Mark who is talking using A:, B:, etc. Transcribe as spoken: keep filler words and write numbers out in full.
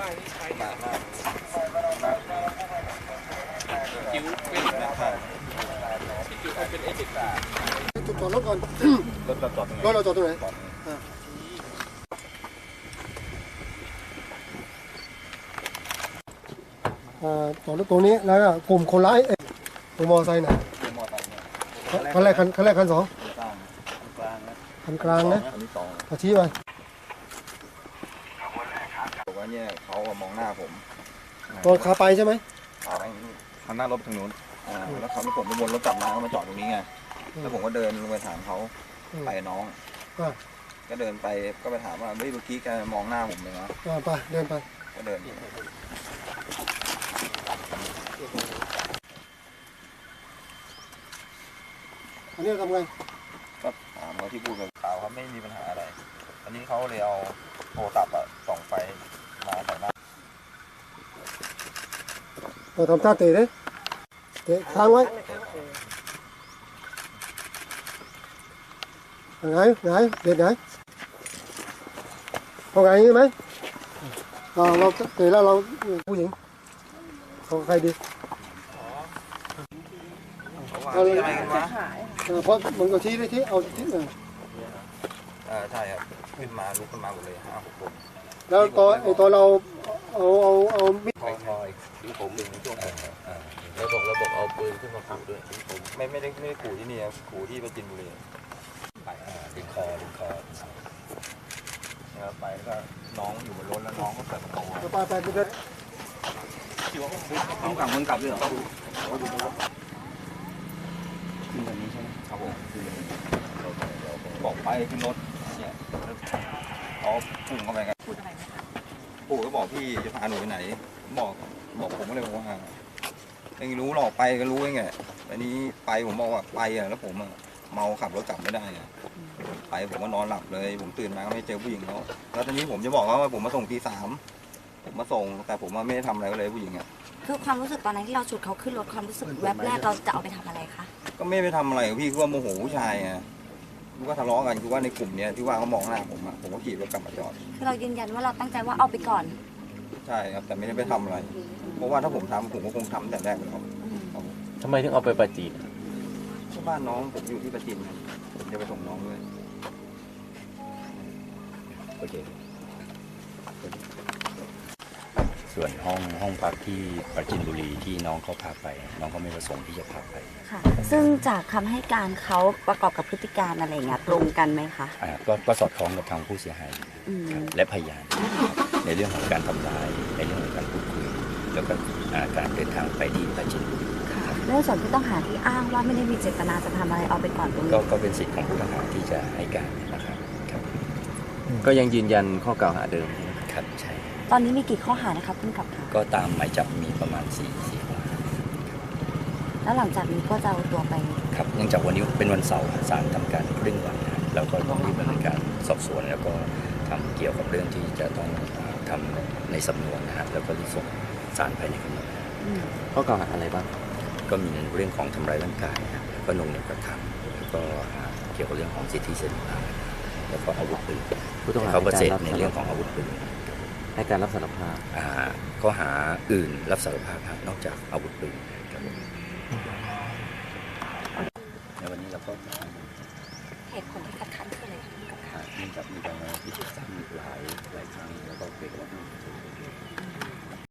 A: มาหน้าคิ้วเป็นนะครับคิ้วเขาเป็นเอฟเฟกต์
B: จอดรถก่อน
A: รถเราจอด
B: รถเราจอดตรงไหนจอดรถตรงนี้แล้วก็กลุ่มคนร้ายตรงมอไซค์น่ะคันแรกคันคันแรกคันสองคันกลางนะพอชี้ไป
A: บอกว่าเนี่ยเขามองหน้าผม
B: ตอนขาไปใช่ไหม
A: ขาไปทางหน้ารถทางนู้นแล้วเขาไม่ผมไปวนรถกลับมาเขามาจอดตรงนี้ไงแล้วผมก็เดินลงไปถามเขาไปน้องก็เดินไปก็ไปถามว่าเฮ้ยเมื่อกี้แกมองหน้าผมเลยนะ
B: ไปเดินไป
A: ก็เดิน
B: อันนี้ทำไง
A: ก็ถามเขาที่พูดกับข่าวเขาไม่มีปัญหาอะไรอันนี้เขาเลยเอาโทรศัพท์อะส่องไฟมาใส่หน้า
B: เราทำท่าเตะเลยเตะค้างไว้ไงไงเด็ดไงพอไงงี้ไหมเราเราเตะแล้วเราผู้หญิงเขาใครดี
A: เอาเลยอะไรกันวะ
B: เพราะมันก็ชี้ได้ที่เอาที่เออ
A: ใช่ครับขึ้นมาลุกขึ้นมาหมดเลยห้าหกคน
B: แล้วตอนไอ้ตอนเราเอาเอาเอามิด
A: คอยคอยที่ผมเป็นช่วง
C: ระบบระบบเอาปืนขึ้นมาขู่ด้วย
A: ผมไม่ไม่ได้ไม่ได้ขู่ที่นี่ครับขู่ที่ประจินบุรีไปดึงคอดึงคอนะครับไปก็น้องอยู่บนรถแล้วน้องก็เปิดประตู
B: ไปไปไปเดิน
A: น้องกลับมึงกลับเลยเหรอขึ้นแบบนี้ใช่ไหมครับผมบอกไปขึ้นรถเนี่ยเขาพุ่งเข้าไปกันพูดอะไรไหมคะปู่ก็บอกพี่จะพาหนูไปไหนบอกบอกผมก็เลยบอกว่าเองรู้หรอกไปก็รู้เองไงอันนี้ไปผมบอกว่าไปอ่ะแล้วผมเมาขับรถกลับไม่ได้ไงไปผมก็นอนหลับเลยผมตื่นมาก็ไม่เจอผู้หญิงแล้วแล้วตอนนี้ผมจะบอกว่าผมมาส่งตีสามผมมาส่งแต่ผมไม่ได้ทำอะไรเลยผู้หญิงอ่ะ
D: คือความรู้สึกตอนนั้นที่เราฉุดเขาขึ้นรถความรู้สึกแวบแรกเราจะเอาไปทำอะไรคะ
A: ก็ไม่ไปทำอะไรพี่คือว่าโมโหผู้ชายไงคือว่าทะเลาะกันคือว่าในกลุ่มเนี้ยที่ว่าเขามองหน้าผมอ่ะผมก็ขี่รถกลับมาจอด
D: คือเรายืนยันว่าเราตั้งใจว่าเอาไปก่อน
A: ใช่ครับแต่ไม่ได้ไปทำอะไรเพราะว่าถ้าผมทำผมก็คงทำแต่แรกแล้ว
C: ทำไมถึงเอาไปประจีน
A: ที่บ้านน้องผมอยู่ที่ประจีนผมจะไปส่งน้องด้วยโอเค
E: ส่วนห้องห้องพักที่ประจินบุรีที่น้องเขาพาไปน้องเขาไม่ประสงค์ที่จะพาไป
D: ค่ะซึ่งจากคำให้การเขาประกอบกับพฤติการอะไรเงี้ยตรงกันไหมคะ
E: อ่าก็ก็สอดคล้องกับทางผู้เสียหายและพยานในเรื่องของการทำร้ายในเรื่องของการพูดคุยแล้วก็การเดินทางไปที่ประจินบุรี
D: เรื่องส่วนผู้ต้องหาที่อ้างว่าไม่ได้มีเจตนาจะทำอะไรเอาไปก่อนตรงนี้
E: ก็เป็นสิทธิ์ของผู้ต้องหาที่จะให้การนะครับ
C: ก็ยังยืนยันข้อกล่าวหาเดิม
E: ครับใช่
D: ตอนนี้มีกี่ข้อหานะครับคุณกับค่ะ
E: ก็ตามหมายจับมีประมาณสี่สี่ข้อหา
D: แล้วหลังจากนี้ก็จะเอาตัวไป
E: ครับเนื่องจากวันนี้เป็นวันเสาร์ศาลทำการครึ่งวันนะแล้วก็ต้องรีบดำเนินการสอบสวนแล้วก็ทำเกี่ยวกับเรื่องที่จะต้องทำในสำนวนนะฮะแล้วก็รีบส่งศาลภายในกำหนด
C: ข้อกล่าวหาอะไรบ้าง
E: ก็มีเรื่องของทำร้ายร่างกายนะแล้วก็นงเหนี่ยวกระทำแล้วก็เกี่ยวกับเรื่องของสิทธิเสรีภาพแล้วก็อาวุธปืนเขาปฏิเสธในเรื่องของอาวุธปืน
C: ให้การรับสารภาพ
E: ข้อหาอื่นรับสารภาพนอกจากอาวุธปืนครับในวันนี้เราก็
D: เหตุผลที่คัดค้านคืออะไรครับ
E: เนื่องจากมีการพิจารณาหลายหลายครั้งแล้วก็เกิดว่า